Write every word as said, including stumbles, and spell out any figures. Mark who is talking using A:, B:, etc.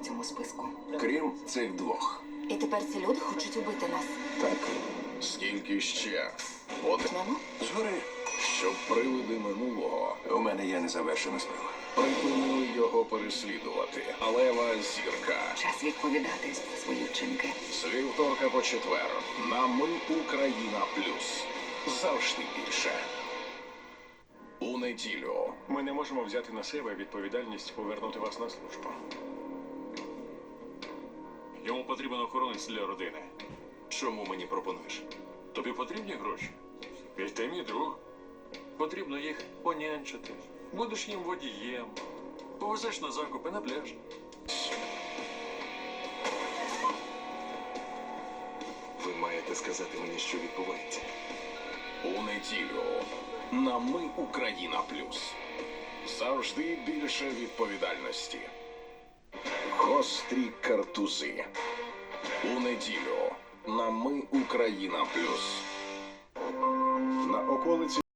A: цьому списку.
B: Крім цих двох.
A: І тепер ці люди хочуть убити нас.
B: Так.
C: Скільки ще? От,
A: Почнемо?
B: Згори.
C: щоб привиди минулого
B: У мене є незавершена справа.
C: припинили його переслідувати. Алева зірка.
A: Час відповідати за свої вчинки.
C: З вівторка по четвер. На Ми Україна Плюс. Завжди більше. У неділю.
D: Ми не можемо взяти на себе відповідальність повернути вас на службу. Йому потрібен охоронець для родини.
E: Чому мені пропонуєш?
D: Тобі потрібні гроші? Ведь ти мій друг. Потрібно їх понянчити. Будеш їм водієм. Повезеш на закупи на пляж.
E: Ви маєте сказати мені, що відбувається.
C: У неділю. На Ми Україна Плюс. Завжди більше відповідальності. Гострі картузи. У неділю. На Ми Україна Плюс.
D: На околиці